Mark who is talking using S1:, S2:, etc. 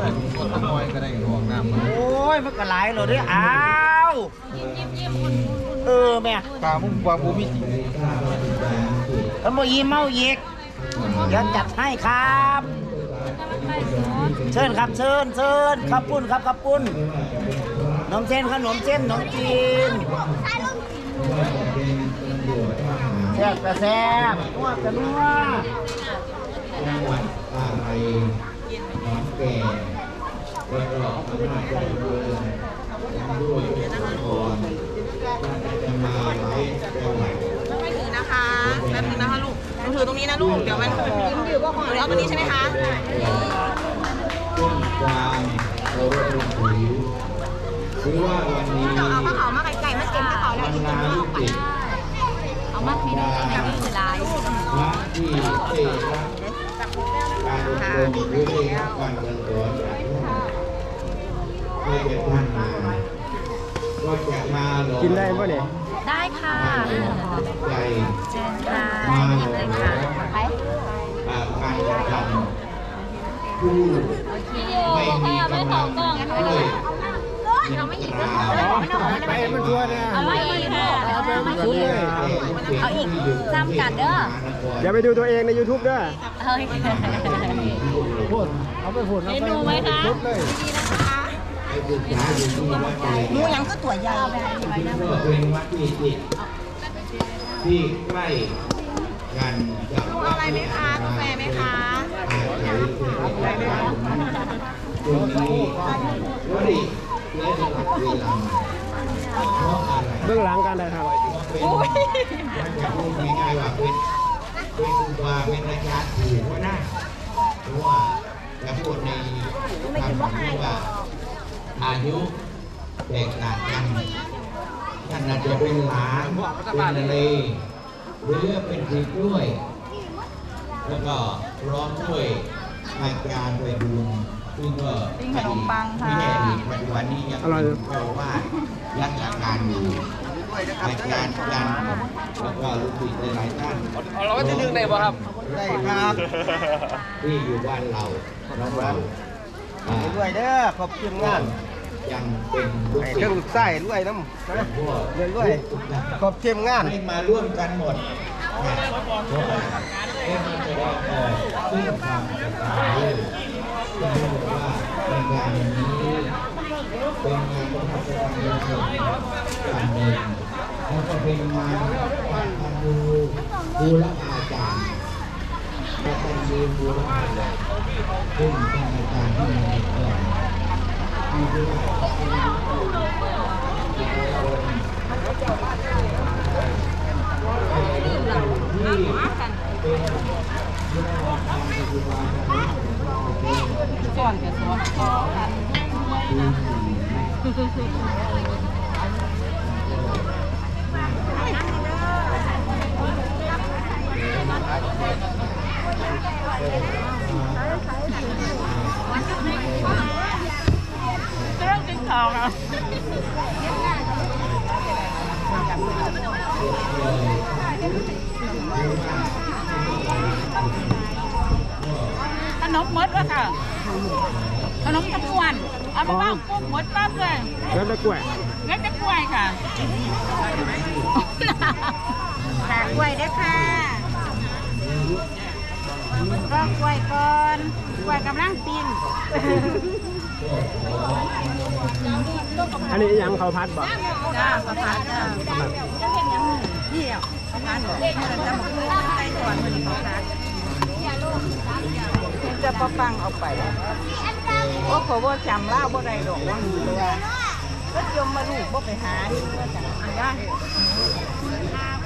S1: คนตะมอยก็ได้หอกน้ำ
S2: โอ้ยมันก็หลายเลยด้วยอ้าวแม่
S1: ปลามุ่งปลาบูมิจิ
S2: เอามายิ้มเมาเยกเดี๋ยวจัดให้ครับเชิญครับเชิญขับปุ้นครับขับปุ้นขนมเส้นขนมจีนแซ่บกระแซ่บนัวกระนัว
S3: จังหวัดอะไรน้องแก่ประกอบอำนาจเจริญด้วยพรจะมาไว้จังหวัด
S4: ไม่ถือนะคะแป๊บนึงนะคะลูกหนูถือตรงนี้นะลูก เดี๋ยวมันยิ้มอยู่ก็ของเอาตัวนี้ใช่ไหมคะ
S3: ต้นความเคารพนับถือหรือว่าวันนี้
S4: เอาผ้าขาวมาไก่ๆมาเต็มผ้าขาวแล้ว
S3: บร
S4: ที่
S3: ร
S4: กิน
S3: ดา
S4: ข้าว
S3: ลูก
S4: ไป
S3: ศิษย์
S4: เอามาไม่ได้แบบนี้คือร้าย
S3: พระที่ได้รับการอบรมหรือได้รับการสั่งสอนจากท่านให้เป็นท่านมาก็จะมาหล่อ
S1: กินได้ป่ะเนี่ย
S4: ได้ค่ะ
S3: ใจ
S4: เชิญค่ะ
S3: มาห
S4: กิน
S3: ล่
S4: เล
S3: อย
S4: ค่ะ
S3: การกระทำผู้ไม่มีกำลังด้วยเราไม่หยิบ
S1: ไปมันทัวร์เนี่ย
S4: เอาไม่อีกค่ะเอาอีกจำกัดเด้อ
S1: อย่าไปดูตัวเองใน YouTube ด้วย
S4: เฮ้ย
S1: พูดเอาไปพูดเอาไป
S4: ดูไหมคะ
S1: ชุดเลย
S4: หนูยังก็ตัวใหญ่
S3: ก็เป็นวัดที่จิตที่ใกล้กันกับ
S4: อะไรไหมคะกาแฟไหมคะ
S3: ตรงนี้วดีและสลับเวลาเพราะอะไร
S1: เบื้องหลังการถ่ายทำ
S3: มันจะพูดง่ายๆว่าเป็นครูบาเป็นอาจารย์ถือว่านะเพราะว่าจะพูดในคำที่ว่าอายุแตกต่างกันท่านอาจจะเป็นหลานเป็นอะไรหรือเป็นศิษย์ด้วย แล้วก็พร้อมด้วยอาจารย์ไปดูซึ่งก็ขนมปังค่ะไม่ใช่อดีตปัจจุบันนี้ยังเป็นเจ้าว่ารักษาการอยู่อาจารย์กันแล้วก็ลูกศิษย์หลายท่าน
S1: เราก็จะดึงได้ป่ะครับ
S2: ได้ครับ
S3: ที่อยู่บ้านเราน้องเรา
S2: ด้วยเด้อขอบคุณงาน
S3: ยังเป็นลูก
S2: ให้
S3: ศิษ
S2: เครื่อง
S3: ย์
S2: ไส้ด้วยน้ำด้วยขอบคุณงาน
S3: ให้มาร่วมกันหมดเพราะอะไรให้มาแสดงออกซึ่งความศรัทธาด้วยจะบอกว่าในงานนี้เป็นงานประทับใจงานหนึ่งแล้วก็เป็นงานปักพันดูบูรพาจารย์ปักพันดูบูรพาจารย์ซึ่งเป็นอาจารย์ที่มีเกียรติที่เรียกว่า
S4: ก่อนจะสวมคอกันเรื่องกินข้าวนะขนมมดวะค่ะขนมตะกวนเอาไปบ้างกุ้งมดปั๊บเลย
S1: แล้วตะกล้วย
S4: เล็กตะกล้วยค่ะขากล้วยด้วยค่ะก็กล้วยก่อนกล้วยกำลังปิ้ง
S1: อันนี้ยังเขาพัดบ่
S4: จ้าประพัดจ้าจะเห็นยังนี่อ่ะประพัดเด็กมันจะมาพูดใส่ก่อนมันประพัดจะประปังเอาไปโอ้เขาว่าจำเล่าบ่ได้ดอกว่ามีเลยก็จมมาลูกบ่ไปหานี่ก็จะได้